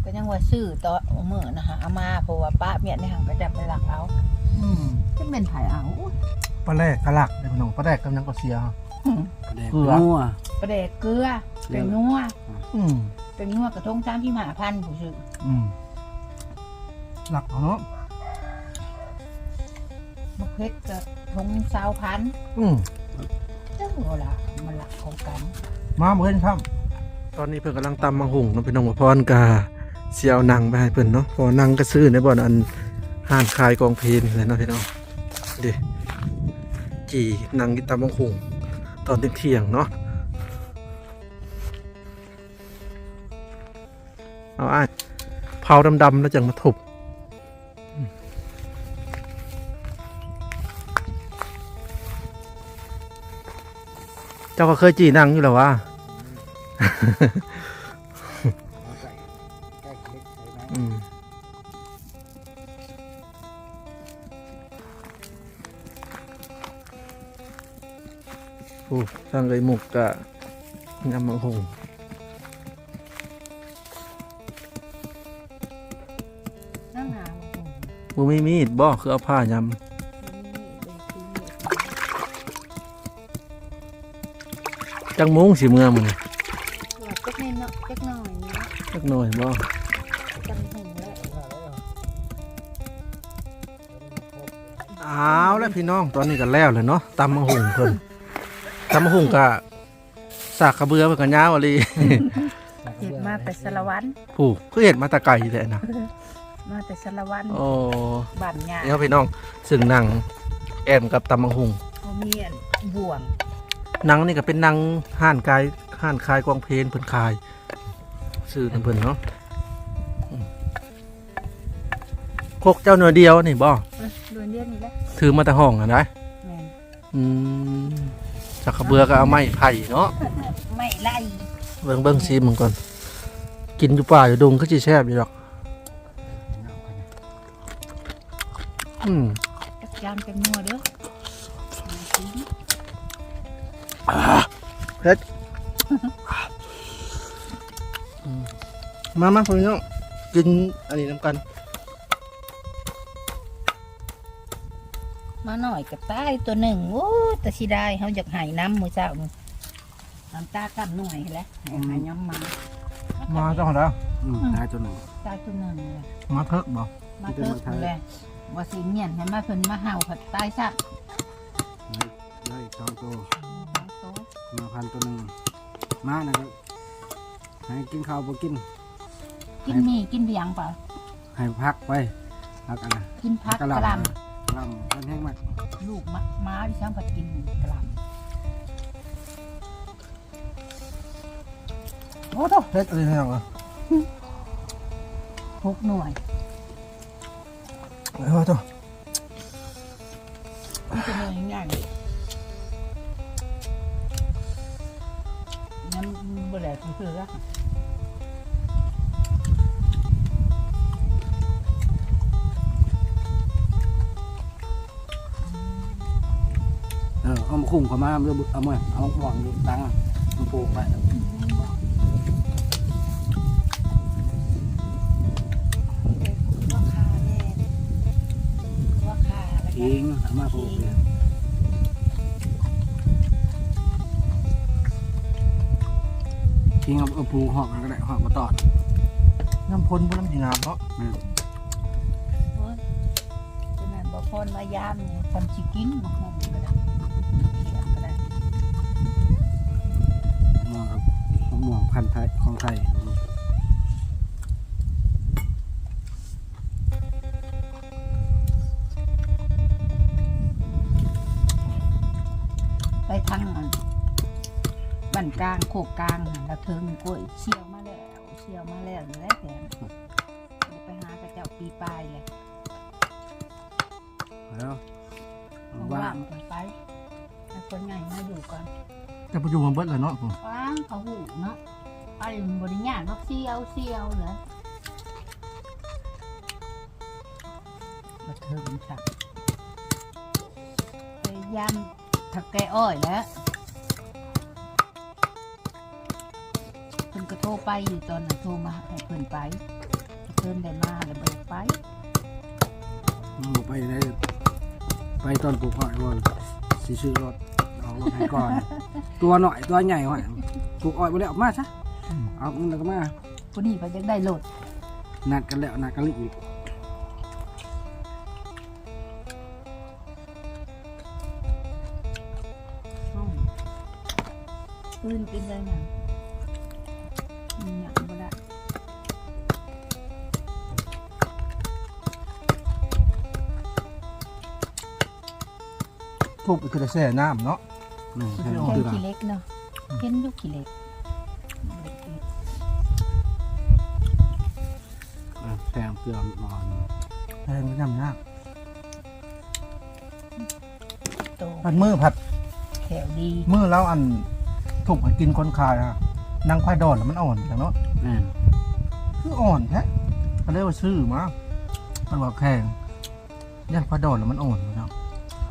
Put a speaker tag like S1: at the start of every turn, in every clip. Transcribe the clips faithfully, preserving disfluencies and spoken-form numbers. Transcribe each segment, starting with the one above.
S1: ก็ยังว่าซื้อต่อเมื่อนะฮะเอามาเพราะว่าป้าเมียในหังก็จะไปหลักเอา
S2: อืม
S1: จะเป็นไผ่เอา
S2: ปลาแรกกะหลักเด้พี่น้องปลาแรกกำลังก็เสีย
S3: แดง
S2: เกลือ
S3: นัว
S1: ประเดกเกลือเป็นนัว
S2: อืม
S1: เป็นนัวกระทงสามที่หาพันผู้ซื้อ
S2: อืมหลักเอาเนาะ
S1: มะเพชรกระทงสาวพัน
S2: อืม
S1: เจ้าหัวละมันหลักของกัน
S2: มาบ่เห็นครับตอนนี้เพิ่นกำลังตำมังหุงเนาะพี่น้องว่าพรกาเสียวหนังไปให้เพิ่นเนาะพอหนังก็ซื้อในบ่อนอันห้านขายกองเพลนเลยเนาะพี่น้องดิจีหนังกินตำมังหุงตอนเที่ยงๆเนาะเอาอ้ายเผาดำๆแล้วจังมาทุบเจ้าก็เคยจีหนังอยู่แล้ววะ
S3: ใกล้เล็กใช่ไหม
S2: อืมโอ้ทางเลยหมุกกะงามมังหง
S1: นั่งหา
S2: บ่มีมีดบ่คือเอาผ้ายำจังมุ้งสิเมื่อมัน
S1: จักนิดเนาะจักหน่อยเนาะ
S2: จักหน่อยบ่
S1: จังหงแล้ว
S2: อ้าวแล้วพี่น้องตอนนี้ก็แล้วเลยเนาะตำมังหงเพิ่นตำมังหงกะสากกระเบือเพิ่นก็ยาวอะลี
S1: เห็ดมาแต่สารวัน
S2: ผู้คือเห็ดมาแตะไก่แท้นะ
S1: มาแต่สารวัน
S2: โอ้
S1: บ้านงา
S2: นี่ครับพี่น้องซึ่งหนังแอมกับตำมังหง
S1: เขามีอันบ่วง
S2: หนังนี่ก็เป็นหนังห้านกายห้านคายกองเพลนเพิ่นคายซื้อน้ำเพิ่นเนาะอืมโคกเจ้าหน่วยเดียวนี่บ่
S1: เออดวนเดียวนี่แหละ
S2: ถือมาแต่ห้องอ่ะนะ
S1: แม่น
S2: อืมสักกระเบือก็เอาไม้ไผ่เนาะ
S1: ไม่ไล่
S2: เบิ่งเบิ่งซีมึงก่อนกินอยู่ป่าอยู่ดงก็สิแซ่บอยู่ดอกอืม
S1: จักจานเป็นนัวเด้อ
S2: เผ็ดอืมมามาพี่น้องกินอันนี้น้ำกัน
S1: มาหน่อยกับตายตัวหนึ่งโอ้แต่สิได้เขาอยากหายน้ำมือเจ้านี่น้ำตากับหน่วยแหล้วหายน้ำมา
S2: มาเจ้าของเรา
S3: อืมตายตัวหนึ่ง
S1: ตายตัวหนึ่งเลย
S2: มาเถิกบ่
S1: มาเติมเลยว่าสิเมียนเห็นมาเพิ่นมาเห่าผัดตายซัก
S3: ได้อีกสองตัว
S1: โต๊ะ
S3: มาพันตัวหนึ่งมานะครับให้กินข้าวบ่กิน
S1: กินมีกินเบียงเปล่า
S3: ให้พักไปพักอันนะ
S1: กินพักก
S3: กะ
S1: ระ
S3: ห
S1: ห
S3: ล่
S1: ล
S3: ำกะหล่ำเป็นแห้งมาก
S1: ำลูกมะม้าที่ช่างผัดกินกระหล
S2: โอ้โหเผ็ดอะไรเนี่ยเหรอ
S1: ำหกหน่วย
S2: โอ้โห
S1: มันจะเหนื่อยง่ายน้ำบะแหลกคือละ
S3: เออเอามาคุ้งเข้ามาเอาเอามาเอาหวังดูตังค์มันปลูกไป
S1: ว่าคาแน่ว่าคาแล้วก็
S3: ทิ้งเอามาปลูกเลยทิ้งเอาเอาปลูกหอกมันก็ได้หอกมาตอด
S2: น้ำพ่นพวกน้ำจีงามเพราะ
S3: แม่น
S1: โอ้ยฉะนั้นบ่พรมายามเนี่ยทำชิกินมาหอมก็ได้เขียนก็ได้
S3: มองครับมะม่วงพันธุ์ไทยของไทย
S1: ไปทางอันบ้านกลางโคกกลางหั่นแล้วเทิงกล้วยเชี่ยวมาแล้วเชี่ยวมาแล้วแล้วแต่ไปหากระเจ้าปีปลายเลย
S3: แล้ว
S1: ว่า
S3: ว่าง
S1: งไปให้คนใหญ่มาอยู่ก่อน
S2: จะประยุกต์มาเบิดเลยเนาะผม
S1: ว้างเขาหูเนาะไปบริญญาณว่าเชี่ยวเชี่ยวเหรอมาเทิงค่ะพยายามถักแกอ้อยแล้วเพิ่นก็โทรไปอยู่ตอนนั้นโทรมาให้เพิ่นไปเพิ่นได้มาแล้วบ่ไป
S3: บ่ไปได้ไปตอนปลูกหอยว่าสิซื้อรถเอารถให้ก่อน ตัวหน่อยตัวใหญ่หอยปลูกอ้อยบ่ได้ออกมาซะเอามันแล้วก็มา
S1: ผู้นี้เพิ่นจักได้โลด
S3: นัดกันแล้วนัดกันอีก
S1: อ้าวปืนกินเลยน่ะมีหยังบ่ได้
S2: ทุบไปคือได้แช่น้ำเนาะ
S3: นี่ใช่
S1: เห็
S3: คื
S1: น
S3: อ
S1: ขี้เล็กเนาะเห็นอยู่ขี้เล็ก
S3: แซงเกลือนอน
S2: แช่น้ำยาก
S1: โต
S2: ผัดมือผัด
S1: แถวดี
S2: มือแล้วอันทุบให้กินคนคายอะนางควายดอนแล้วมันอ่อนจังเนาะ
S3: แม่น
S2: คืออ่อนแท้ก็เลยว่าซื้อมามันว่าแข็งย่านควายดอนแล้วมันอ่อนเนาะ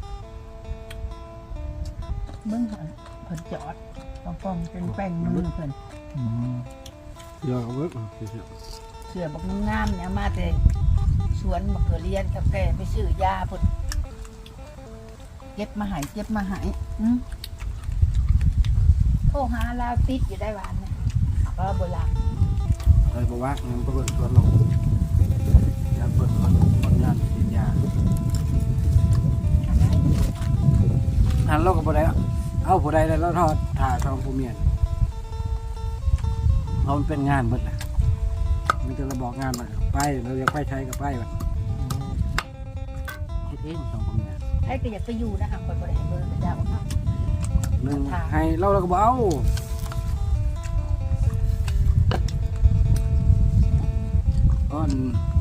S1: เบิ่งหั่นเพิ่นจอดป้องๆเป็นแป้งมือเพิ่น
S2: อืม
S3: เกลือเอาไว้เกลือ
S1: เสื้อบักงามๆเนี่ยเอามาแต่สวนมะเขือเรียนกับแกไปซื้อยาเพิ่นเก็บมาใหายเก็บมาใหายอืมโทรหาลาวติดอยู่ได้หวานเนี่ยก็โบราณ
S3: เลยบอกว่างั้นก็เปิดสวนลงอยากเปิดคนคนงานฉีดยาหันเราก็บ่ได้เอาผู้ใดแล้วทอดถ่าทองผู้เมียนเพราะมันเป็นงานเบิดแหละมันจะระบอกงานมาไปเราอยากไปใช้กับไปแบบเฮ็ดเองทองผู้เมียน
S1: ไอ้ก็อยากไปอยู่นะคะคนบริหารเบอร์พระเจ้าครับ
S3: หนึ่งให้เราเราก็บอกเอาก้อน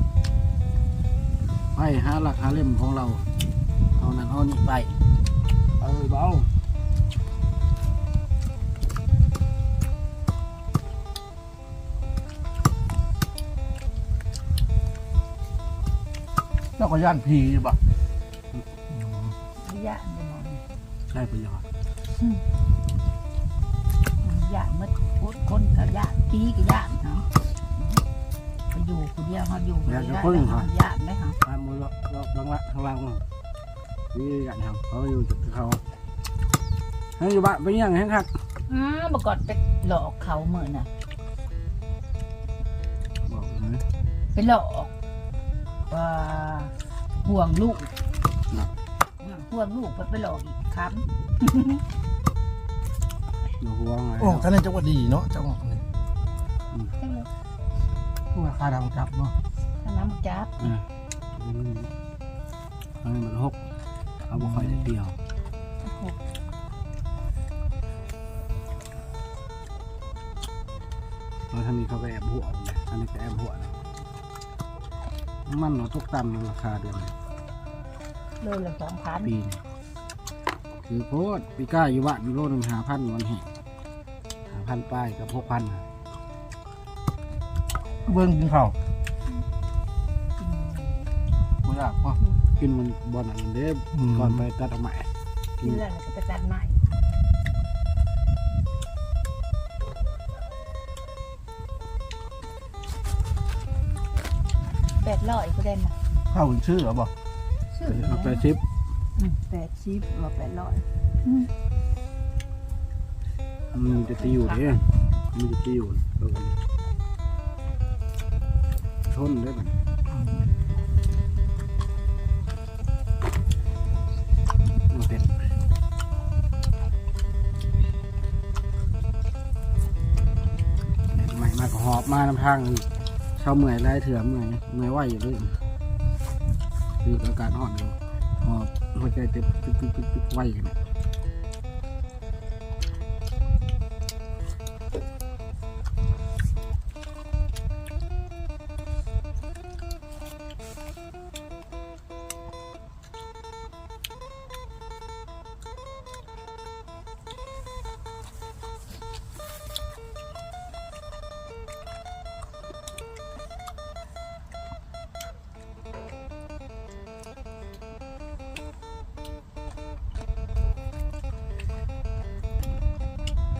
S3: ไปหาหลักหาเล่มของเราเอานั้นเอานี่ไปเออเบา
S2: แล้วก็ย่านผีอยู่ปะ
S1: วิญญาณไปมอง
S3: ใช่ประโยชน์
S1: วิญญาณมืดพุทคนกับญาติปีกับญาติเนาะไปอยู่คนเดียวเขาอยู่คนเดียวได้ญาติไหมคะ
S3: ตามมือเราเราดังละข้างล่างนี่กันครับเขาอยู่จุดเขาให้อยู่บ้านไปยังไงครับ
S1: อ้าเมื่อก่อนไปหลอกเขาเหมือนน่ะ
S3: บอกเลย
S1: ไปหลอกว่าห่วงลูกห่วงลูกไปหลอกอีกครั้ง
S3: อยู่หัวไง
S2: โอ้ท่านนี่จังหวัดดีเนาะจังหวัดนี้ผู้ว่าคาดังจับเนาะ
S1: ถ้าน้ำจับ
S3: อ่าอันนี้มันหกเอาบุคคลได้เดียวเราทำนี้เขาก็แอบหัวเลยอันนี้ก็แอบหัวนะมันเนาะตกต่ำราคาเดือน
S1: เลยละสองพัน
S3: ปีนคือโพดปีก้าอยู่บ้านโลหนึ่งหาพันวันแห่งหาพันป้ายกับหกพัน
S2: เบิ้งกินข้าวไม่อยากวะ
S3: กินมันบอลอันนั้นเด้ก่อนไปตัดเอาใหม่
S1: กินแล้วก็ไปตัดใหม่แปดร้อยก็ได้มา
S2: ข้าวคุณชื่อเหรอบอก
S1: ชื่อ
S3: เอาไปชิป
S1: แปดชิปว่าแปดร้อย
S3: มันจะตีอยู่เด้มันจะตีอยู่ชนได้ไหมมันเป็นใหม่มาก็หอบมาน้ำทางเช้าเมื่อยไล่เถื่อเมื่อยเมื่อยไหวอยู่ด้วยคืออาการอ่อนอยู่หอบหัวใจเต้นตึ๊กตึ๊กตึ๊กตึ๊กไหวกัน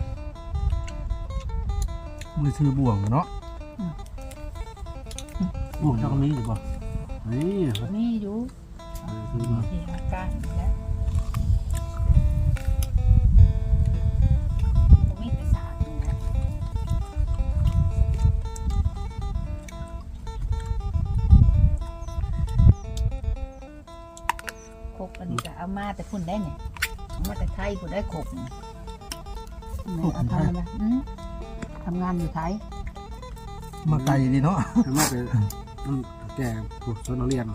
S2: มือชื่อบ่วงเนาะลูกเจ้าก็มีอยู่บ่
S3: นี่
S1: มีอยู่
S3: เอาซื้อมา
S1: ที่หาการแล้วบ่มีแต่สารนะคกอันนี้ก็เอามาแต่พุ่นได้เนี่ยเอามาแต่ไทยพุ่นได้คกเนี่ยเอาทำนะอืมทำงานอยู่ไทย
S2: มาไกลดีเนาะ
S3: ทำมาเป็นอืมแก่ผู้สนเรียน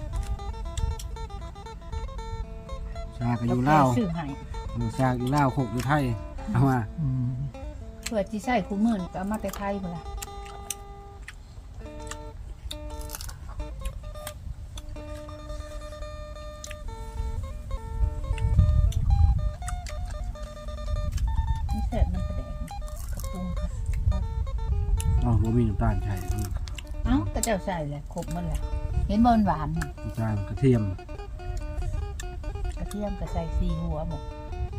S3: ชาก็อยู่ลาว
S1: ซื้อให้
S3: ชาอยู่ลาวโคกอยู่ไทยเอามา
S2: อืม
S1: เพื่อที่ใส่คู่มือนี่ก็เอามาแต่ไทยพุ่นล่ะนี่เสร็จน้ำกระแดงกระปุงค่ะ
S3: อ๋อบ่มีน้ำตาลใช่
S1: เอ้าก็เจ้าใส่เลยครบหมันแหละเห็นบอลหวานนี่
S3: น้ำตาลกระเทียม
S1: กระเทียมก็ใส่ซีหัวหมด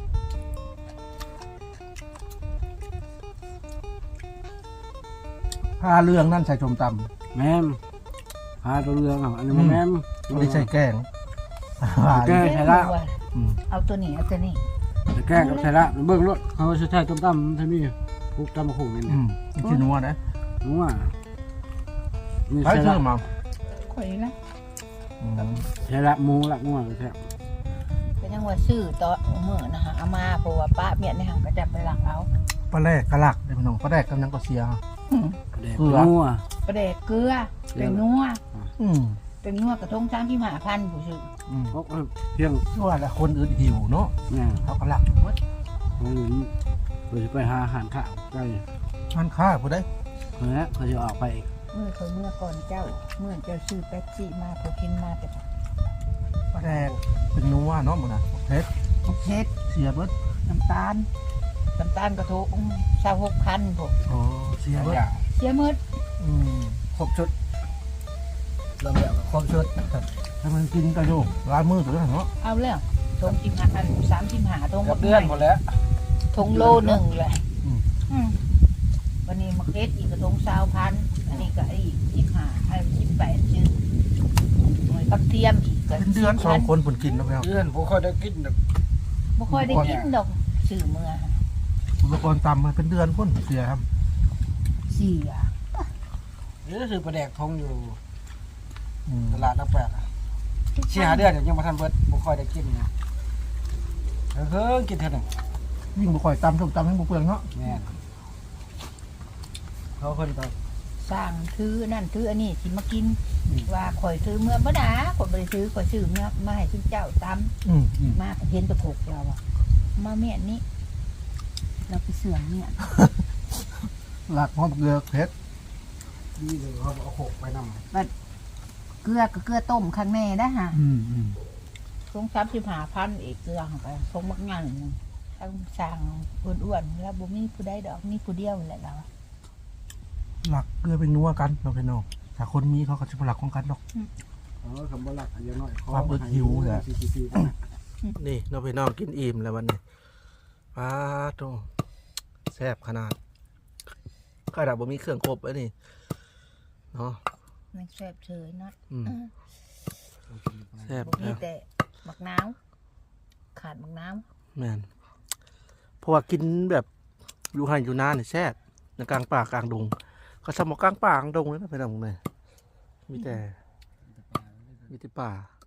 S2: ผ้าเรื่องนั่นใส่ชมต
S3: แม่มพาตัวเรืองอ่ะอันนี้บ่แม่ม
S2: ำไม่ใช่แกง
S3: แกงใช่ละ
S2: อืม
S1: เอาตัวนี้เอาตัวนี้
S3: แต่แกงกับใช่ละเบิ่งรถเขาใช้ใช้ต้มตำท่านี่พวกตำมะขุ่นนี่
S2: อืมนี่คือนัวนะ
S3: รู้ว่านี่
S2: ใช้
S3: ใช่
S2: ชื่
S3: ละ
S2: อมา
S1: ข่อยนะ
S2: อืม
S3: ใช่ละหมูละงัวแท้
S1: ก็ยังว่าซื้อต่อเมื่อนะฮะเอามาเพราะว่าป้าเมียในหังก็จะไปหลักเอา
S2: ปลาแรกกะลักเดี๋ยวพี่น้องปลาแรกกำลังก็เสีย
S1: อืม
S3: แดก
S2: เกลือ
S3: งัว
S1: ประเดกเกลือเป็นนัว
S2: อืม
S1: เป็นนัวกระทงช้างที่หาพันผู้ซื้อ
S2: อืม
S3: พวกเพียง
S2: ว่าแล้วคนอื่นหิวเนาะ
S3: เนี่ย
S2: เขากะลักเบิด
S3: เขาอยู่เราจะไปหาอาหารข้าวใกล้
S2: มันค่าผู้ใด
S3: เฮ้ยเขาจะออกไปอีก
S1: เมื่อเคยเมื่อก่อนเจ้า เมื่อเจ้าซื้อแป๊บซี่มาพอกินมาแต่
S2: ปลาแรกเป็นนัวเนาะมันน่ะเผ็ด
S1: เผ็ด
S2: เสียเบิด
S1: น้ำตาลน้ำตาลกระทงชาวหกพันพวก
S2: อ๋อเสียเบิด
S1: เสียหมืด
S2: อืม
S3: ครบชุดเริ่มแล้วครบชุด
S2: ถ้ามันกินก็อยู่ร้านมือตัวนั้นเนาะ
S1: เอาแล้วทงชิมหาอันสามชิมหาทง
S3: กับเดือนหมดแล้ว
S1: ทงโลหนึ่งเลยอืมวันนี้มาเก็ตอีกกระทงสาวพันอันนี้ก็อีกชิมหาไอ้ชิมแปดชื่อกับเทียมอีกก็
S2: เป็นเดือนสองคนผลกินแล้วแล้ว
S3: เดือนผมค่อยได้กินแบบ
S1: บ่ค่อยได้กินดอกสื่อเมื่อ
S2: อุปกรณ์ตำมันเป็นเดือนพ่นเสียครับ
S1: เสีย
S3: นี่ก็คือปลาแดกทงอยู่
S2: อืม
S3: ตลาดนักแปลกอะเสียหาเดือนยังมาทันเบิดผมค่อยได้กินนะเฮ้ยกินเท่านั้น
S2: ยิ่งบุข่อยตำส้มตำให้บุเปลืองเนาะ
S3: แม่นเขาคนก็
S1: สร้างถือนั่นถืออันนี้สิมากินว่าข่อยถือเมื่อบ่ดาข่อยบ่ได้ถือข่อยซื้อเมื่อมาให้คุณเจ้าตำ
S2: อืมอืม
S1: มาเห็นตะโขกเราอะมาเมียนนี้เราไปเสื่อมเนี่ย
S2: หลักหอมเกลือเผ็ด
S3: นี่เลยเขาเอาโขกไปนำ
S1: เกลือก็เกลือต้มข้างในได้ฮะ
S2: อืมอืม
S1: ทงซับสิบหาพันอีกเกลือเข้าไปทงมักงานหนึ่งทั้งสร้างอ้วนๆแล้วบ่มีผู้ใดดอกมีผู้เดียวแหละเรา
S2: หลักเกลือเป็นนัวกันเราเป็นน้องถ้าคนมีเขาก็จะเป็นหลักของกันดอก
S3: เออคำว่าหลักอย่างน้อย
S2: ความอึดหิวแหละ
S3: ซีซีซี
S2: นี่เราไปน้องกินอิ่มแล้ววันนี้ป้าโตแซ่บขนาดข้าวดาบบ่มีเครื่องครบแล้วนี่เนาะ
S1: มันแซ่บเฉยเนาะ
S2: อืมแซ่บ
S1: บ่มี
S2: แล้ว
S1: แต่มักน้าวขาดมักน้าว
S2: แม่นเพราะว่ากินแบบอยู่ให้อยู่นานนี่แซ่บในกลางป่ากลางดง ก็สมองกลางป่ากลางดงเลยนะไปทางไหนมีแต่มีแต่ป่า